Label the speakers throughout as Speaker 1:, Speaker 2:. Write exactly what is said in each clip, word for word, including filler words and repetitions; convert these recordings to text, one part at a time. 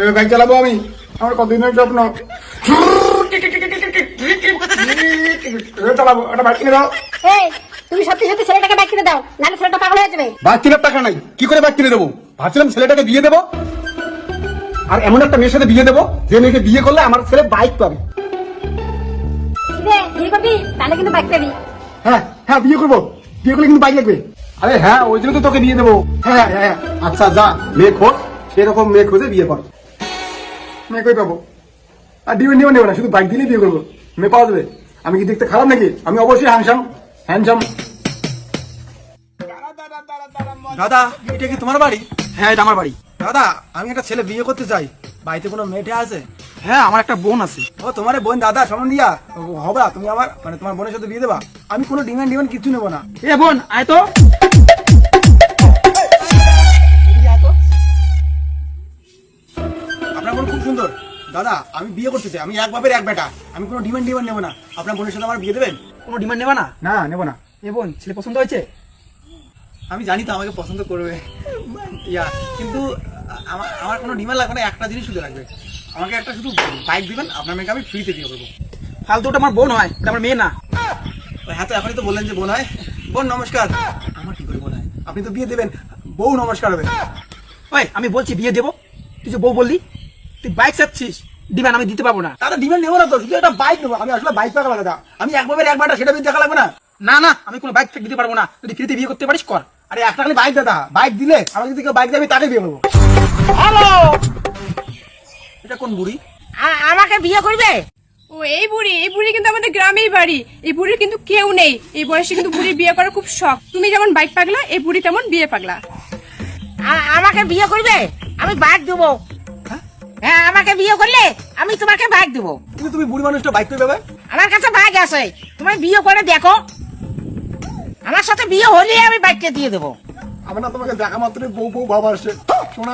Speaker 1: Bike চালাবো আমি, আমার কতদিনের স্বপ্ন। চালাবো, একটা বাইক কিনে দাও।
Speaker 2: এই তুমি সত্যি সত্যি ছেলেটাকে বাইক কিনে দাও, নাহলে ছেলেটা পাগল হয়ে যাবে।
Speaker 1: বাইক কেনার টাকা নাই, কি করে বাইক কিনে দেবো? ভাবছিলাম ছেলেটাকে বিয়ে দেবো, আর এমন একটা মেয়ের সাথে বিয়ে দেবো যে মেয়েকে বিয়ে করলে আমার ছেলে বাইক পাবে।
Speaker 2: বিয়ে করবি তাহলে কিন্তু বাইক পাবি।
Speaker 1: হ্যাঁ হ্যাঁ বিয়ে করবো, বিয়ে করলে কিন্তু বাইক লাগবে। আরে হ্যাঁ, ওই জন্য তো তোকে বিয়ে দেবো। হ্যাঁ হ্যাঁ হ্যাঁ, আচ্ছা যা মেয়ে খোঁজ, সেরকম মেয়ে খুঁজে বিয়ে কর। মেয়ে কই পাবো? আর ডিমেন্ড ডিমেন্ড নেবো না, শুধু বাইক দিলেই বিয়ে করবো, মেয়ে পাওয়া যাবে। আমি কি দেখতে খারাপ নাকি? আমি অবশ্যই হ্যান্ডসাম হ্যান্ডসাম।
Speaker 3: দাদা, এটা কি তোমার বাড়ি?
Speaker 1: হ্যাঁ এটা আমার বাড়ি।
Speaker 3: দাদা, আমি একটা ছেলে বিয়ে করতে চাই, বাড়িতে কোনো মেয়েটে আছে?
Speaker 1: হ্যাঁ আমার একটা বোন আছে।
Speaker 3: ও তোমার বোন? দাদা সামন দিয়া হবা তুমি আমার, মানে তোমার বোনের সাথে বিয়ে দেবা? আমি কোনো ডিমান্ড ডিমান্ড কিছু নেবো না।
Speaker 1: এ বোন আয় তো।
Speaker 3: আপনার বোন খুব সুন্দর। দাদা আমি বিয়ে করতে চাই, আমি এক বাপের এক বেটা, আমি কোনো ডিমান্ড ডিমান্ড নেবো না। আপনার বোনের সাথে আমার বিয়ে দেবেন?
Speaker 1: কোনো ডিমান্ড নেবা না? না নেবো না। এ বোন ছেলে পছন্দ হয়েছে?
Speaker 3: আমি জানি তো আমাকে পছন্দ করবে, ইয়া কিন্তু আমার আমার কোনো ডিমান্ড লাগবে না, একটা জিনিস শুধু লাগবে, আমাকে একটা শুধু বাইক দিবেন, আপনার মেয়েকে আমি ফ্রিতে বিয়ে করবো।
Speaker 1: ফালতু, ওটা আমার বোন হয়, ওটা আমার মেয়ে না।
Speaker 3: হ্যাঁ তো এখনই তো বললেন যে বোন হয়। বোন নমস্কার। আমার কি করে বোন হয়? আপনি তো বিয়ে দেবেন, বউ নমস্কার হবে।
Speaker 1: ওই আমি বলছি বিয়ে দেবো, তুই যে বউ বললি, তুই বাইক চাচ্ছিস, ডিমান্ড আমি দিতে পারবো না।
Speaker 3: দাদা ডিমান্ড নেবো না তো, শুধু একটা বাইক নেবো। আমি আসলে বাইক পাকা দাদা, আমি এক বাপের এক বেটা, সেটা বিয়ে দেখা লাগবে না।
Speaker 1: না না, আমি কোনো বাইক দিতে পারবো না। যদি ফ্রিতে বিয়ে করতে পারিস কর।
Speaker 3: আরে একটা খালি বাইক দাদা, বাইক দিলে আমার যদি কেউ বাইক দেবে তাকে বিয়ে করবো।
Speaker 2: হ্যালো,
Speaker 3: এটা কোন বুড়ি?
Speaker 2: আমাকে বিয়ে করবে?
Speaker 4: ও এই বুড়ি, এই বুড়ি কিন্তু আমাদের গ্রামেই বাড়ি। এই বুড়ির কিন্তু কেউ নেই, এই বয়সে কিন্তু বুড়ি বিয়ে করার খুব শখ। তুমি যেমন বাইক পাগলা, এই বুড়ি তেমন বিয়ে পাগলা।
Speaker 2: আমাকে বিয়ে করবে? আমি বাইক দেবো। হ্যাঁ আমাকে বিয়ে করলে আমি তোমাকে বাইক দেবো।
Speaker 3: কিন্তু তুমি বুড়ি মানুষটা বাইক করে দেবে?
Speaker 2: আমার কাছে বাইক আছে, তুমি বিয়ে করে দেখো, আমার সাথে বিয়ে হলে আমি বাইকটা দিয়ে দেবো।
Speaker 3: আমার না তোমাকে দেখা মাত্রই বউ বউ বাবা আসছে। শোনা,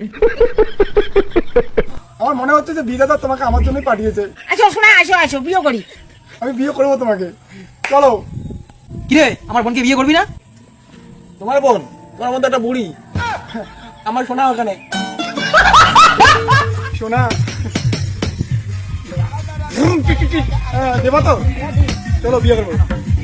Speaker 3: আমার মনে হচ্ছে যে বিয়ে দাদা তোমাকে আমার জন্যই পাঠিয়েছে।
Speaker 2: আসো শোনা, আসো আসো বিয়ে করি।
Speaker 3: আমি বিয়ে করবো তোমাকে, চলো।
Speaker 1: কিরে আমার বোনকে বিয়ে করবি না?
Speaker 3: তোমার বোন? তোমার বোন তো একটা বুড়ি। আমার শোনা ওখানে শোনা, হ্যাঁ দেবা তো, চলো বিয়ে করবো।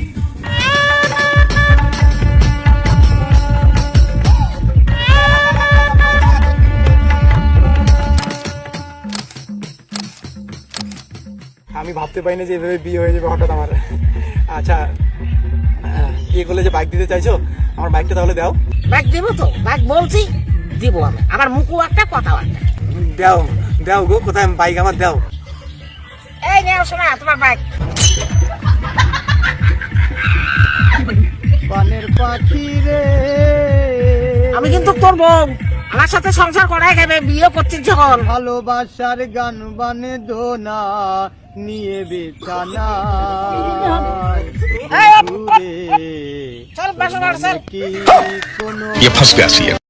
Speaker 3: আমি ভাবতে পারিনি যে এভাবে বিয়ে হয়ে যাবে হঠাৎ আমার। আচ্ছা, বিয়ে করলে যে বাইক দিতে চাইছো, আমার বাইকটা তাহলে দাও।
Speaker 2: বাইক দেবো তো, বাইক বলছি দিব আমি, আমার মুখও একটা কথাও একটা।
Speaker 3: দাও দাও গো, কোথায় বাইক আমার দাও।
Speaker 2: এই নেও শোনা তোমার বাইক।
Speaker 5: বানের পাখি রে,
Speaker 2: আমি কিন্তু তোর বউ, আমার সাথে সংসার করাই খাবে, বিয়ে করছিস যখন।
Speaker 5: ভালোবাসার গান বানে দোনা নিয়ে বেচানা
Speaker 2: চল বাসা
Speaker 5: কি কোনো
Speaker 6: ये फंस गया सी